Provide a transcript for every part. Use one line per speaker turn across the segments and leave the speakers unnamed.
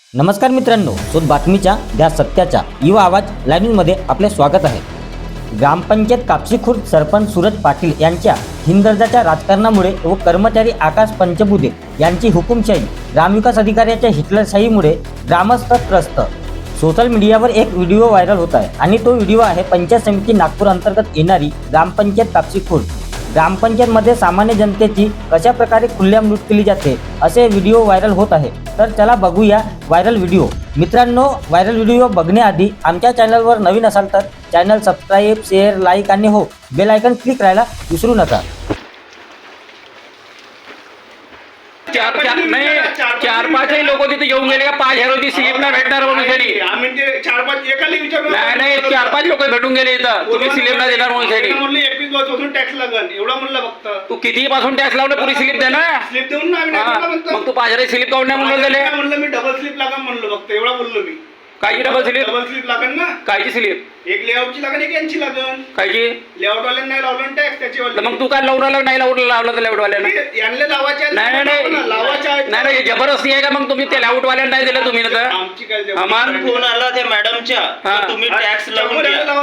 नमस्कार मित्रांनो, शोध बातमीच्या द्या सत्याच्या युवा आवाज लाईव्ह न्यूजमध्ये आपले स्वागत आहे। ग्रामपंचायत कापसी खुर्द सरपंच सूरज पाटील यांच्या हिंदर्जाच्या राजकारणामुळे व कर्मचारी आकाश पंचबुधे यांची हुकुमशाही, ग्रामविकास अधिकाऱ्याच्या हिटलरशाहीमुळे ग्रामस्थ त्रस्त। सोशल मीडियावर एक व्हिडिओ व्हायरल होत आहे आणि तो व्हिडिओ आहे पंचायत समिती नागपूर अंतर्गत येणारी ग्रामपंचायत कापसी खुर्द। ग्रामपंचायतमध्ये सामान्य जनतेची कशा प्रकारे खुल्लेआम लूट केली जाते असे व्हिडिओ व्हायरल होत आहे। तर चला बघूया व्हायरल व्हिडिओ। मित्रांनो, व्हायरल व्हिडिओ बघण्याआधी आमच्या चॅनलवर नवीन असाल तर चॅनल सबस्क्राईब, शेअर, लाईक आणि हो बेल आयकॉन क्लिक करायला विसरू नका।
चार पाच लोक तिथे येऊन गेले का 5,000 होती स्लिप ना भेटणार म्हणून त्यांनी
आम्ही ते 4-5 एकाला विचारलं
नाही 4-5 लोक भेटून गेले इथं तुम्ही स्लिप ना देणार म्हणून त्यांनी
म्हणलं 21 पासून टॅक्स लागल एवढा म्हणलं फक्त
तू किती पासून टॅक्स लावलं पुरी स्लिप दे ना
स्लिप देऊन ना आम्ही
मग तू 5,000 स्लिप काऊन नाही म्हणून गेले
म्हणलं मी डबल स्लिप लागल म्हणलं फक्त एवढा बोललो मी
कायची डबल
स्लिप लागल ना
कायची स्लिप
एक लेआउटची लागल एक यांची लागल
कायची
लेआउट वाल्यानं नाही लावलं टॅक्स त्याच्यावर
मग तू काय लावून राहिला नाही लावलं तर लेआउट वाल्यानं
यांना लावायचे
नाही जबरदस्ती आहे का मग तुम्ही ते लेआउट वाल्यानं नाही दिलं तुम्ही तर
आमची काय
फोन आला त्या मॅडमच्या तुम्ही टॅक्स लावून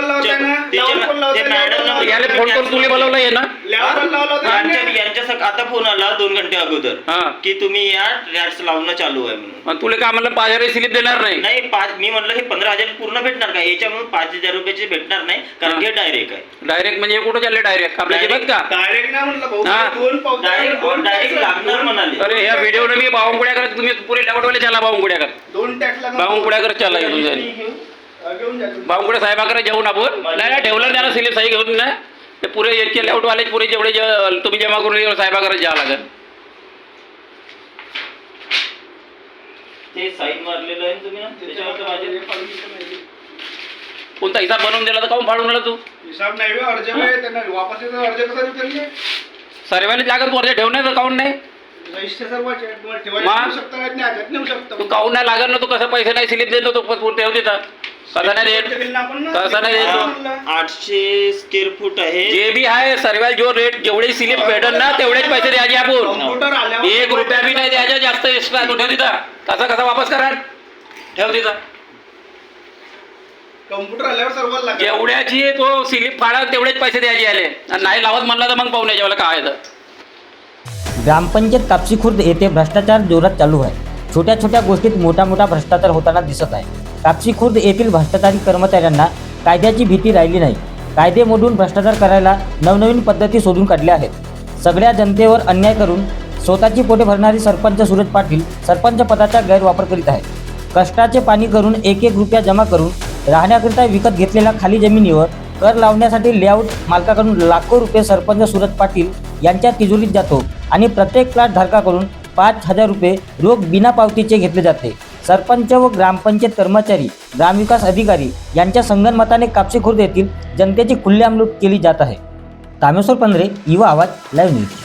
याला फोन करून तुला बोलवलं आहे ना
यांच्या आता फोन आला 2 घंटे अगोदर की तुम्ही या टॅक्स लावणं चालू आहे म्हणून
तुला काय म्हणलं 5,000 स्लिप देणार नाही
नाही मी म्हणलं हे 15,000 पूर्ण भेटणार का याच्यामुळे 5,000 रुपयाचे भेटणार नाही कारण हे डायरेक्ट आहे
डायरेक्ट म्हणजे कुठं चालले डायरेक्ट आपल्या जिल्ह्यात का
डायरेक्ट नाही म्हणलं
डायरेक्ट लागणार म्हणाले
अरे ह्या व्हिडिओ मी बावंकुड्या करत तुम्ही पुरे लेआउटवाले चला बावंकुड्या कर
2 टॅक्स लागल
बावंकुड्या करत चला बावंकुड्या साहेबाकडे जाऊन आपण नाही ठेवलं त्याला स्लिप सही घेऊन ना ते पुरे इतके लेआउटवाले पुरे जेवढे तुम्ही जमा करून साहेबाकडे जावं लागेल
ते साईन मारलेलं आहे तुम्ही ना त्याच्यावर माझे
कोणता हिसाब बनवून दिला तर काऊन फाडून आला तू
हिसाब नाही अर्ज आहे त्यांना वापस येतो अर्ज कसा देतील
सर्वांनी लागत वर्ज ठेवण्याचं काऊन नाही तू काऊन नाही लागत ना तू कसं पैसे नाही स्लिप देतो तो ठेव देतात कसं नाही देत कसं नाही देतो
800 स्क्वेअर फूट आहे
जे बी आहे सर्व जो रेट जेवढे स्लिप भेटल ना तेवढेच पैसे द्यायचे आपण 1 रुपया बी नाही द्यायचा जास्त एक्स्ट्रा तू ठेव तिथं कसा वापस करा ठेव तिथं
कम्प्युटर आल्यावर सर्वांना
जेवढ्याची तो स्लिप फाडा तेवढेच पैसे द्यायचे आले आणि नाही लावत म्हणला तर मग पाहून यायच्या मला काय तर
ग्रामपंचायत कापसी खुर्द येथे भ्रष्टाचार जोरात चालू आहे। छोट्या छोट्या गोष्टीत मोठा भ्रष्टाचार होताना दिसत आहे। कापसी खुर्द येथील भ्रष्टाचारी कर्मचाऱ्यांना कायद्याची भीती राहिली नाही। कायदे मोडून भ्रष्टाचार करायला नवनवीन पद्धती शोधून काढल्या आहेत। सगळ्या जनतेवर अन्याय करून स्वतःची पोटे भरणारी सरपंच सूरज पाटील सरपंच पदाचा गैरवापर करीत आहे। कष्टाचे पाणी करून 1-1 रुपया जमा करून राहण्याकरिता विकत घेतलेल्या खाली जमिनीवर कर लावण्यासाठी लेआउट मालकाकडून लाखो रुपये सरपंच सूरज पाटील यांच्या तिजोरीत जातो आणि प्रत्येक प्लॉट धारकाकडून 5,000 रुपये रोख बिना पावतीचे घेतले जाते। सरपंच व ग्रामपंचायत कर्मचारी, ग्रामविकास अधिकारी यांच्या संगनमताने कापसी खुर्द येथील जनतेची खुल्लेआम लूट केली जात आहे। तामेश्वर पंधरे, युवा आवाज लाईव्ह न्यूज।